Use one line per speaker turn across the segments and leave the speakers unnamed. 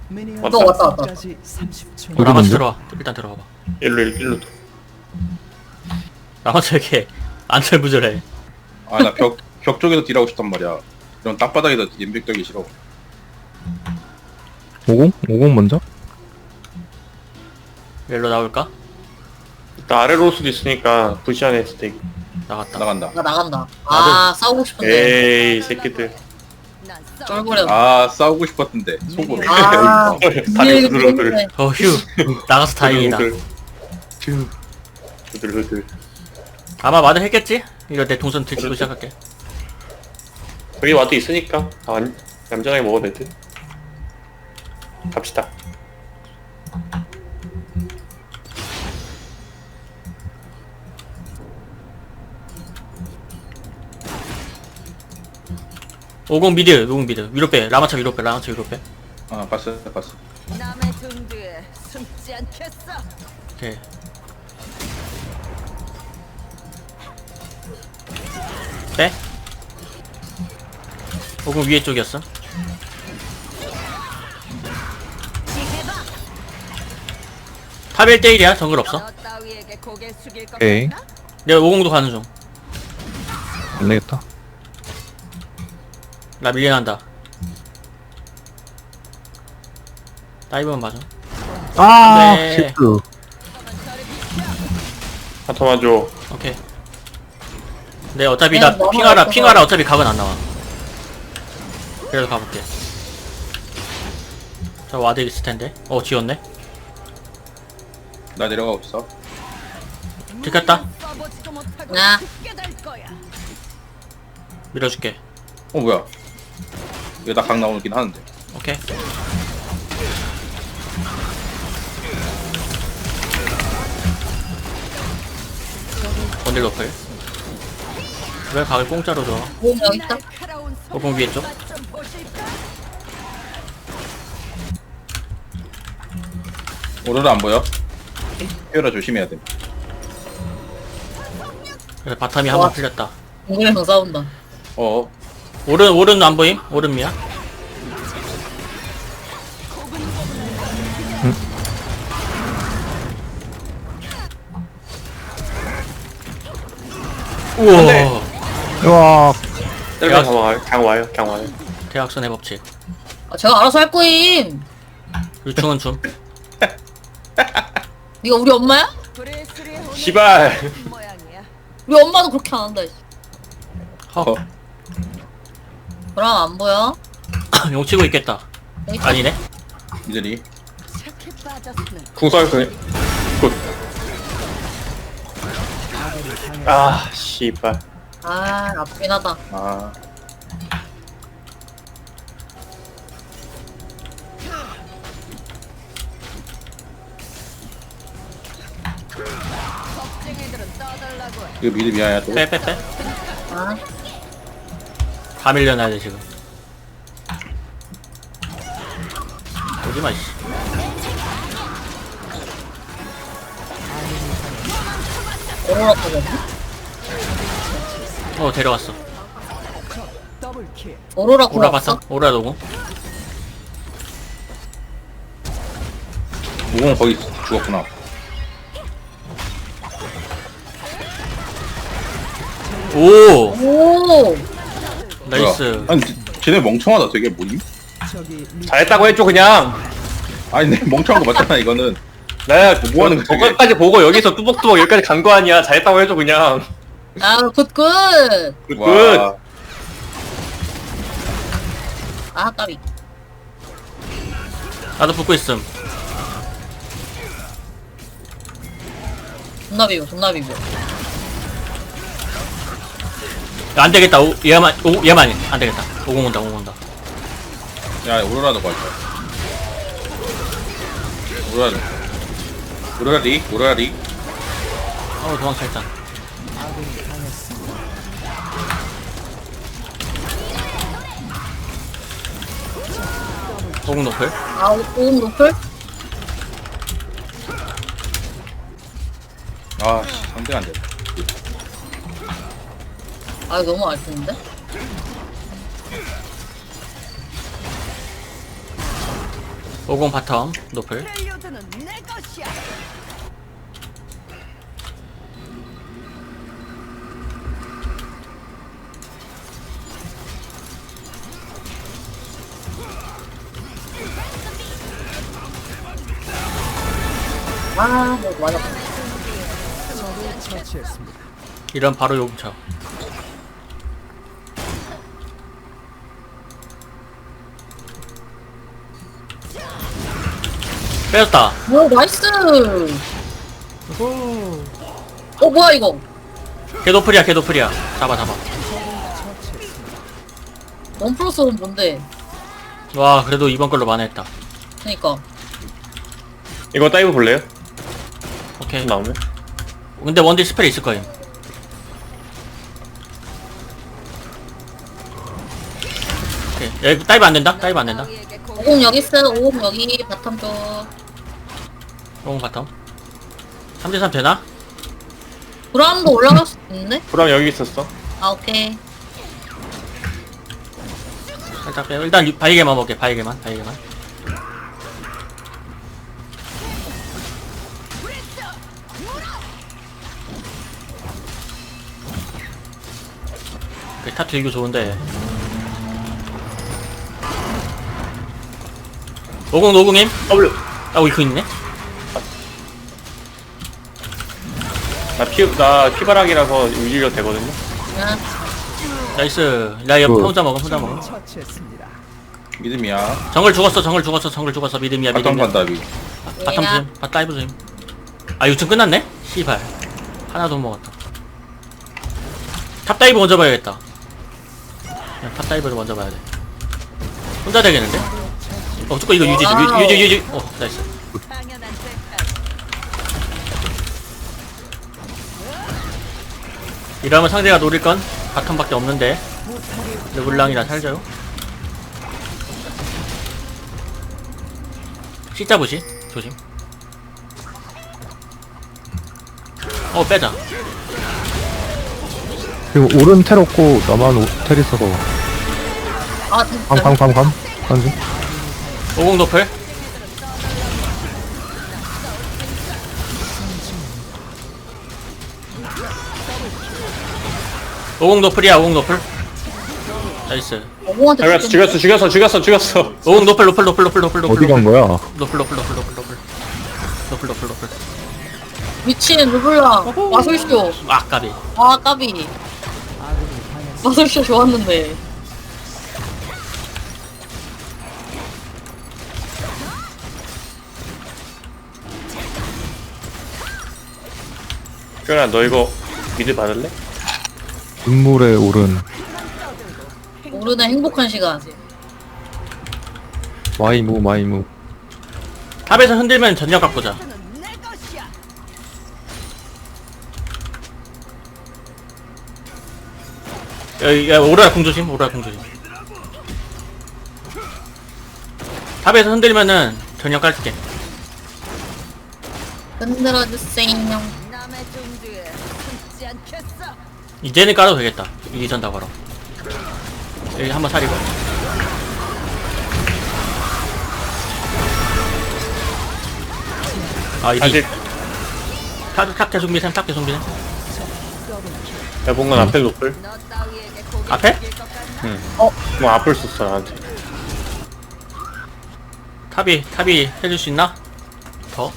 너 왔다.
까지 30초.
어디
라마스
먼저?
들어와. 일단 들어가봐.
일로.
라마스 이렇게 안절부절해.
아, 나 벽 쪽에서 딜하고 싶단 말이야. 이런 땅바닥에다 연벽 떨기 싫어.
50? 50 먼저?
일로 나올까?
일단 아래로 올 수도 있으니까 부시안에 스테이크.
나갔다.
나간다.
나 나간다. 아 싸우고 싶은데.
에이 새끼들.
쫄보려.
아, 싸우고 싶었는데. 속으로.
아.
다리 후들후들.
휴. 나가서 다행이다.
후들후들.
아마 마들 했겠지? 이거 내 동선 들키고 시작할게.
여기 와도 있으니까 얌전하게 먹어도 될 듯. 갑시다.
오공 미드. 위로 빼. 라마차 위로 빼.
아, 봤어.
남의 등 뒤에 숨지 않겠어.
오케이. 빼. 오공 위에 쪽이었어. 탑 1대1이야. 정글 없어.
너 따위에게 고개 숙일 것
오케이.
같나?
내가 오공도 가는 중.
안 되겠다.
나 밀려난다. 다이브만 맞아.
아,
네.
실수.
한터만 줘.
오케이. 네, 어차피
네,
나
너무
핑하라
어려워.
어차피 각은 안 나와. 그래도 가볼게. 저 와드 있을 텐데. 지웠네.
나 내려가고 있어.
들켰다.
써보지도 못하고
나.
죽게 될 거야.
밀어줄게.
뭐야. 이거 나 강 나오긴 하는데.
오케이. 원딜 로플. 왜 각을 공짜로 줘?
오 여기 있다.
날카로운
오공 위에 쪽.
손맛 좀 보실까?
오로라 안 보여? 피오라 조심해야 돼.
그래서 바텀이 한 번 풀렸다.
동굴에서 싸운다.
어.
오른 안 보임? 오른 미야? 우와.
우와,
셀방 그냥 와요.
대학선의 법칙.
아, 제가 알아서 할 거임.
유충은 좀.
네가 우리 엄마야?
브레스리의 혼이
시발.
모양이야.
우리 엄마도 그렇게 안 한다.
허.
그럼 안 보여?
용 치고 있겠다.
여기 있다.
아니네.
이들이.
착해 빠졌으면
궁설 그. 굿. 아 씨발.
아 아프긴 하다.
아.
겁쟁이들은 떠달라고 해.
이거 미드 미아야 또.
빼.
아
다 밀려나야 돼 지금. 오지마 씨.
오로라 타거든.
데려왔어.
더블킬.
오로라
오라
구라
봤어? 오라 노고.
무공 거기 죽었구나.
오.
오.
나이스.
뭐야. 아니, 쟤네 멍청하다. 되게 뭐임?
저기
잘했다고 해줘 그냥.
아니, 내 멍청한 거 맞잖아, 이거는.
나야
뭐 하는 거야, 저게?
저까지 보고 여기서 뚜벅뚜벅 여기까지 간 거 아니야. 잘했다고 해줘 그냥.
아 굿굿.
굿.
와.
아 까비.
나도 붙고 있음.
존나 비벼.
안 되겠다. 얘만 안 되겠다. 오공 온다.
야, 오로라도 갈까? 오로라 리.
도망쳐 일단. 오공 노플.
아 오금 노플?
아, 씨, 상대가 안 돼.
아 이거 너무 아쉬운데?
50 바텀 노플.
렐리오드는 내 것이야.
아, 뭐 맞아.
적을 처치했습니다.
이런 바로 용차. 빼졌다.
오, 나이스. 뭐야 이거?
걔 노플이야, 걔 노플이야. 잡아.
원 플러스는 뭔데?
와, 그래도 이번 걸로 만회했다.
그니까.
이거 다이브 볼래요?
오케이.
나오면?
근데 원딜 스펠 있을 거임. 오케이. 여기 다이브 안 된다? 다이브 안 된다.
따위에게 고-
50 여기 있어. 50 여기 바텀 쪽.
50 바텀. 3대3 되나?
브라움도 올라갈 수 있는데?
브라운 여기 있었어.
아, 오케이.
살짝 빼요. 일단 바이게만 먹게, 바이게만. 탑 들기 좋은데. 50 노궁임?
W.
아, 이거 있네?
나 피바락이라서 유지가 되거든요.
그냥
나이스. 나 이거 혼자 먹어.
처치했습니다.
믿음이야.
정글 죽었어. 믿음이야.
바텀 간다 위.
바텀 조심. 다이브 조심. 아, 6층 끝났네? 씨발. 하나도 못 먹었다. 탑 다이브 먼저 봐야겠다. 그냥 탑 다이브를 먼저 봐야 돼. 혼자 되겠는데? 조금 이거 유지. 나이스.
당연한 대가.
이러면 상대가 노릴 건 바텀밖에 없는데. 르블랑이라 살죠. C자 부시. 조심. 빼자.
그리고 오른 텔 없고 나만 텔 있어서
아, 진짜.
감 던지.
50 노플. 오공 노플이야. 50 노플. 나이스.
50한테
죽였어.
50 노플.
어디 간 거야?
노플.
미친 르블랑 마술쇼.
아, 까비.
아, 까비. 마술쇼 좋았는데.
규현아 너 이거 미드 받을래?
눈물의 오른
모르는 행복한 시간.
마이무.
탑에서 흔들면 전력 갖고 자.
내 것이야.
야, 오라라 공 조심. 탑에서 흔들면은 전력 깔게.
흔들어주세요.
남의 종두에 숨지 않겠어.
이제는 깔아도 되겠다. 이전 다 걸어. 여기 한번 사리고. 아, 이디.
아직
탑 계속미셈.
대봉은 앞에 노플.
너 따위에게 고개
앞에?
숙일 것 같나?
뭐 앞을 썼어 나한테.
탑이 해줄 수 있나? 더?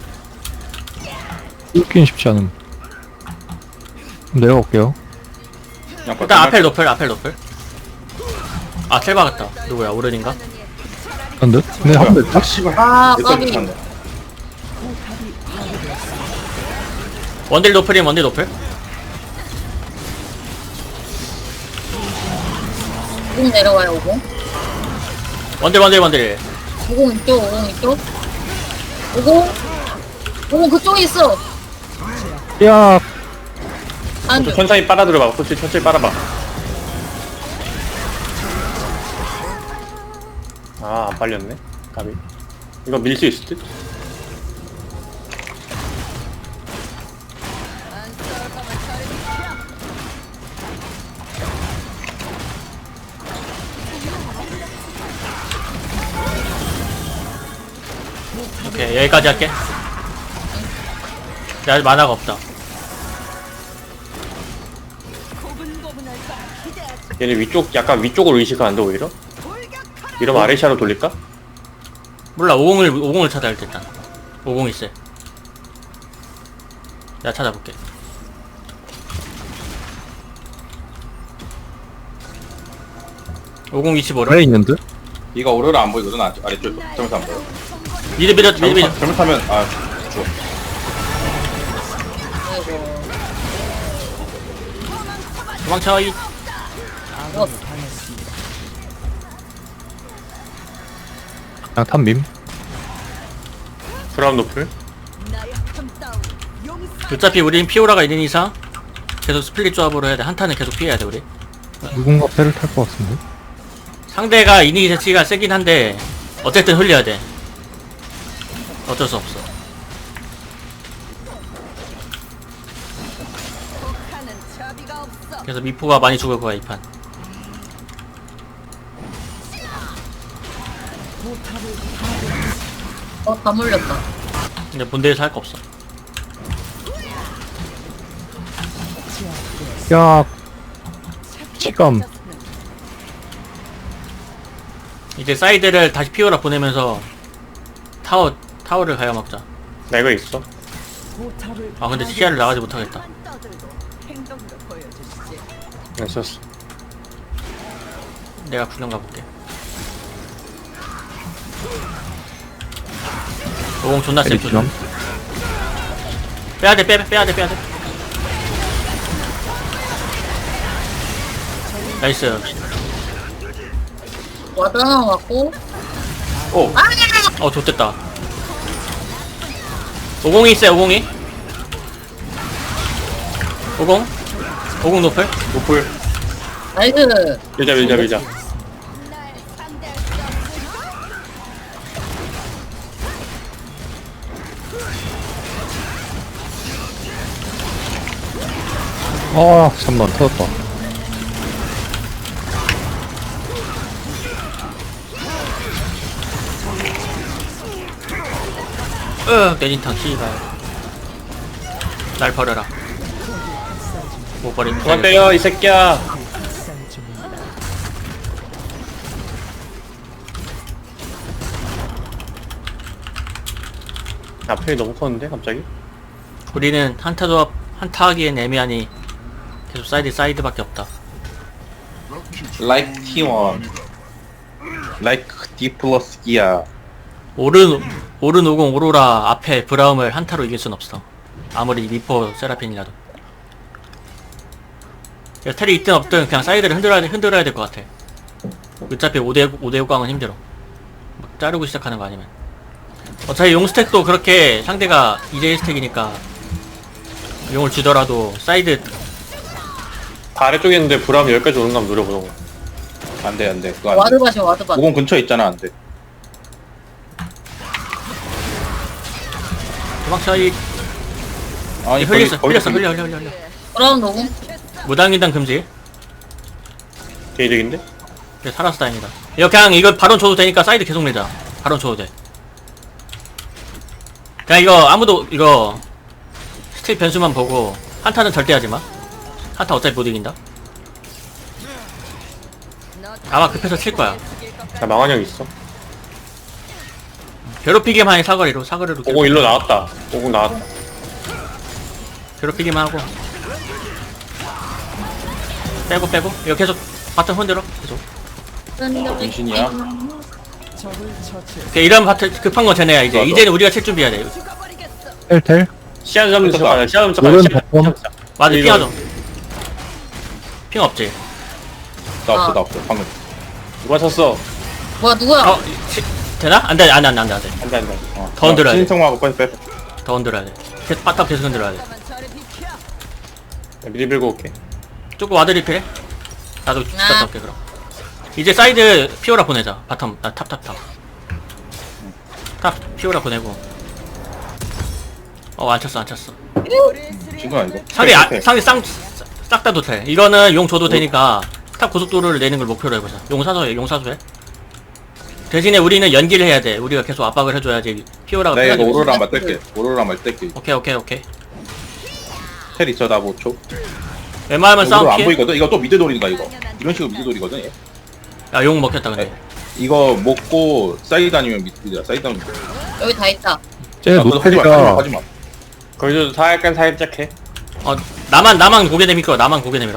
뚫긴 쉽지 않음. 내려갈게요.
그냥
일단
바텀
앞에 노플. 아, 텔 박았다. 누구야? 오른인가?
한 듯? 근데 한 대.
아,
내꺼
까비.
못한다.
원딜 노플이면 원딜 노플.
50 내려와요, 50.
원딜.
50 이쪽, 50 이쪽. 50 그쪽에 있어.
야,
안 돼.
천천히 빨아들여봐. 그렇지 천천히 빨아봐. 아 안 빨렸네. 가비. 이거 밀 수 있을 듯?
안 싸울 거면 저리 비켜.
오케이, 여기까지 할게. 나 아직 만화가 없다.
고분고분할 거라 기대하지.
얘네 위쪽 약간 위쪽으로 의식하는데 오히려? 이러면 아레시아로 돌릴까?
몰라, 50을 찾아야 할 때, 일단. 50 있어. 내가 찾아볼게. 50 위치 모르?
그래 있는 듯?
이가 오로라 안 보이거든 아래쪽 점에서 안 보여.
미드 미드
잘못하면 죽어.
아이고.
도망쳐. 이
그냥 탐밈.
브라운 노플?
나약함 따위 용서.
어차피 우린 피오라가 있는 이상 계속 스플릿 조합으로 해야 돼. 한타는 계속 피해야 돼, 우리.
누군가 패를 탈 것 같은데?
상대가 이니기 자체가 세긴 한데 어쨌든 흘려야 돼. 어쩔 수 없어.
독하는 자비가 없어.
그래서 미포가 많이 죽을 거야, 이 판.
다 물렸다.
근데 본대에서 할 거 없어.
야, 치감.
이제 사이드를 다시 피오라 보내면서 타워를 가야 먹자.
나 이거 있어.
포탑을
아 근데 시야를 나가지 못하겠다.
떠들고 행동도 보여주시지.
나 썼어.
내가 구경 가볼게. 오공 존나 세.
때리시면.
빼야돼 빼야돼. 나이스.
와드 하나 왔고.
어 좋댔다. 50이 있어요. 50이 50 노플.
노플.
나이스.
밀자.
날 상대할 수 없으리라.
아, 잠만 터졌다.
내진탕 씨발. 날 버려라. 못 버림.
그만 때려 이 새끼야.
쌀 중입니다.
앞에 너무 컸는데 갑자기?
우리는 한타 조합 한타 하기엔 애매하니 계속 사이드밖에 없다.
Like T1. Like D 플러스 기아.
오른 50 오로라 앞에 브라움을 한타로 이길 순 없어. 아무리 미포 세라핀이라도. 그래서 텔이 있든 없든 그냥 사이드를 흔들어야 될 것 같아. 어차피 5대5 강은 힘들어. 막 자르고 시작하는 거 아니면. 어차피 용 스택도 그렇게 상대가 2대1 스택이니까 용을 주더라도 사이드.
다 아래쪽에 있는데 브라운 여기까지 오는 거 한번 노려보는 거.
안돼 그거 안돼.
와드밭이 와드밭.
50 근처에 있잖아 안돼.
도망쳐. 이
아니
흘렸어.
거기
흘려.
브라운 노공.
무당인당 금지.
개이득인데?
그래, 살아서 다행이다. 이거 그냥 이거 바론 줘도 되니까 사이드 계속 내자. 바론 줘도 돼. 그냥 이거 아무도 이거 스틸 변수만 보고 한타는 절대 하지마. 한타 어차피 못 이긴다. 아마 급해서 칠 거야.
나 망한형 있어.
괴롭히기만 해. 사거리로
오공 일로 나왔다. 오공 나왔다.
괴롭히기만 하고 빼고 이거 계속 바텀 흔들어 계속.
정신이야.
적을 처치했습니다.
오케이, 이런 바텀 급한 건 쟤네야. 이제
맞아.
이제는 우리가 칠 준비해야 돼.
죽어버리겠어.
텔.
시야 잡는 척 하자. 시야 잡는 척
오른
하자.
바텀.
맞아.
이거-
핑하죠. 핑 없지.
나 없어 방금.
누가 쳤어?
뭐야 누구야?
되나? 안돼.
안돼.
더 흔들어야 돼.
신성하고 빨리 빼.
더 흔들어야 돼. 계속 바닥 계속 흔들어야 돼.
잠깐만 저리 비켜.
나 미리 밀고 올게.
조금 와드리필해? 나도 갔다 올게 그럼. 이제 사이드 피오라 보내자. 바텀 탑 피오라 보내고. 안 쳤어.
지금 아니고.
상대 싹 다 도태. 이거는 용 줘도 되니까 탑 고속도로를 내는 걸 목표로 해보자. 용 사소해. 대신에 우리는 연기를 해야 돼. 우리가 계속 압박을 해줘야지 피오라가
내가 이거
빼가지고.
오로라 맞댈게. 오로라 맞댈게.
오케이.
텔 있어 나 5초.
웬만하면 싸움
오로라 안
피해.
보이거든. 이거 또 미드 돌린다 이거. 이런 식으로 미드 돌이거든. 얘.
야용 먹혔다 근데.
이거 먹고 사이드 아니면 미드야. 사이드 아니면.
여기 다 있다.
쟤 노텔이가
하지마.
거기도 살짝 해.
나만 고개 내밀어. 나만 고개 내밀어.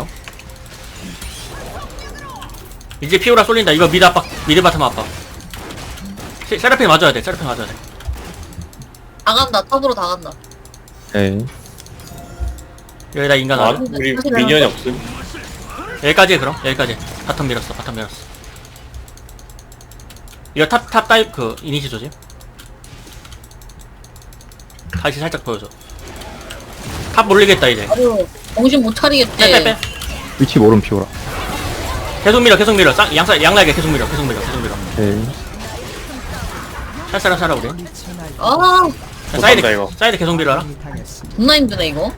이제 피오라 쏠린다. 이거 미드 압박, 미드 바텀 압박. 세라핀 맞아야 돼. 세라핀 맞아야 돼.
다 간다. 탑으로 다 간다.
오케이.
여기다 인간
아,
와줘.
우리 미니언이 없음.
여기까지 해 그럼. 여기까지. 바텀 밀었어. 이거 탑 다이브 그 이니시 조짐. 다시 살짝 보여줘. 탑 몰리겠다 이제.
아유, 정신 못 차리겠지.
빼.
위치 모름 피오라.
계속 밀어. 양날개 계속 밀어.
오케이.
살살아 우리.
아,
못한다, 이거.
사이드 계속 밀어라.
당했습니다.
존나 힘드네, 이거.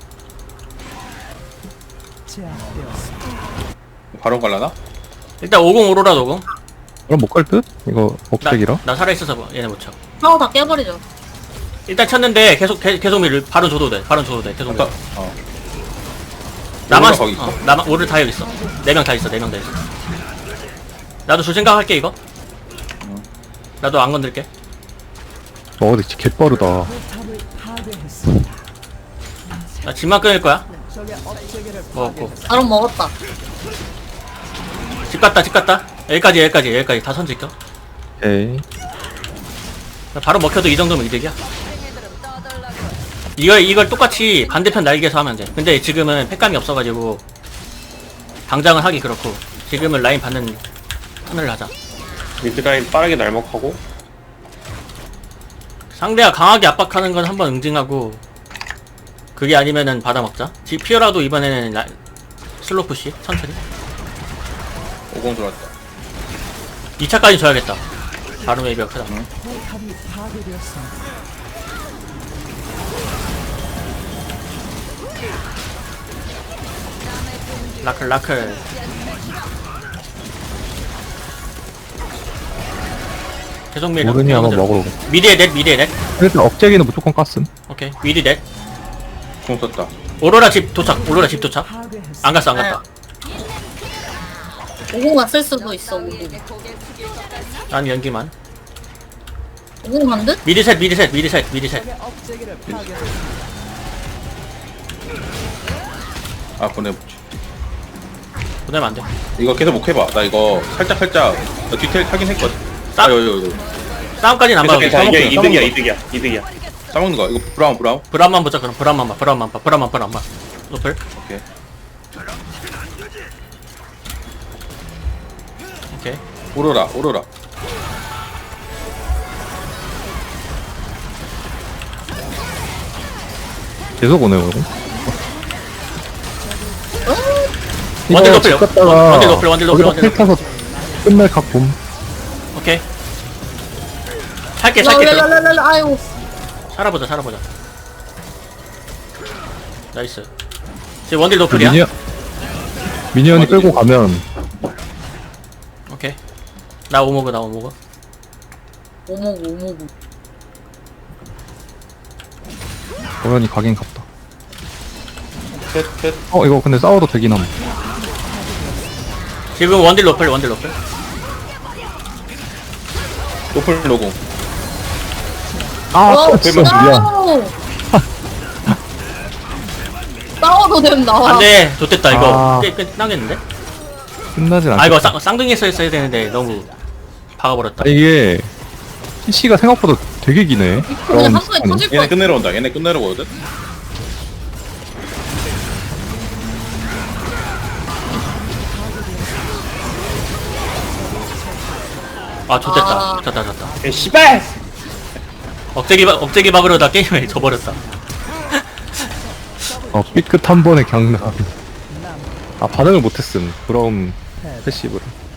제압되었습니다.
바로 갈라나?
일단 50 오로라 50.
그럼 못 갈 듯? 이거 억색이라.
나 살아있어서 뭐, 얘네 못 쳐.
파워 다 깨버리죠.
일단 쳤는데 계속 밀. 바로 줘도 돼. 계속 밀어.
어.
나만
오로라 거기 있어?
나만 오를 다 여기 있어. 4명 다 있어. 나도 줄 생각할게 이거. 나도 안 건들게.
근데 진짜 개빠르다.
포탑을 파괴했습니다.
나 집만 끊을 거야.
적의 업체계를
먹었고.
바로 먹었다.
집 갔다. 여기까지 다 선지켜.
오케이.
바로 먹혀도 이 정도면 이득이야.
팽이들은 떠들라고.
이걸 똑같이 반대편 날개에서 하면 돼. 근데 지금은 팩감이 없어가지고 당장은 하기 그렇고 지금은 라인 받는 턴을 하자.
미드라인 빠르게 날먹하고.
상대가 강하게 압박하는 건 한번 응징하고 그게 아니면은 받아먹자. 피어라도 이번에는 슬로우 푸시 천천히
50 들어왔다.
2차까지 줘야겠다. 바로 웨이비가 크다.
포탑이 파괴되었습니다.
라클 계속 밀어.
모르니 아마 먹으러.
미드에 넷.
그래서 억제기는 무조건 깠음.
오케이 미드 넷.
공 썼다.
오로라 집 도착.
파괴했습니다.
안 갔다.
오공 갔을 수도 있어, 오공.
고개 숙일 것까지.
난 연기만.
오공 간 듯?
미드 셋.
적의 업체계를 파괴했습니다.
아 보내보지.
보내면 안 돼.
이거 계속 못 해봐. 나 이거 살짝 나 뒤텔 타긴 했거든.
싸-
아 여기.
싸움까지는 안 봐도 돼.
괜찮아. 이게
싸먹자,
이득이야.
싸먹는 거. 이거 브라운.
브라운만 보자 그럼. 브라운만 봐. 노플.
오케이.
오케이.
오로라.
계속 오네요.
원딜
이거
노플.
집 갔다가
원딜 노플.
거기다 텔 타서 끝날 각봄.
오케이. 살게.
랄랄랄랄, 아유.
살아보자. 나이스. 지금 원딜 노플이야.
미니언이 끌고 가면
오케이. 나 오모그.
오모구.
도연이 가긴 갔다.
셋.
이거 근데 싸워도 되긴 함.
지금 원딜 노플.
노플 로공.
진짜 미안.
싸워도 된다.
안돼. 좋됐다 이거.
아.
끝나겠는데?
끝나진 않아.
아 이거 쌍둥이에서 했어야 되는데 너무 박아버렸다.
이게 PC가 생각보다 되게 기네.
그냥 한 번에 터질
얘네
거
끝내러 온다. 얘네 끝내러 오거든.
아 좋됐다.
아.
졌다.
씨발!
억제기 박으려다 게임을 져버렸다.
삐끗 한 번에 강남. 반응을 못했음. 브라움 패시브를.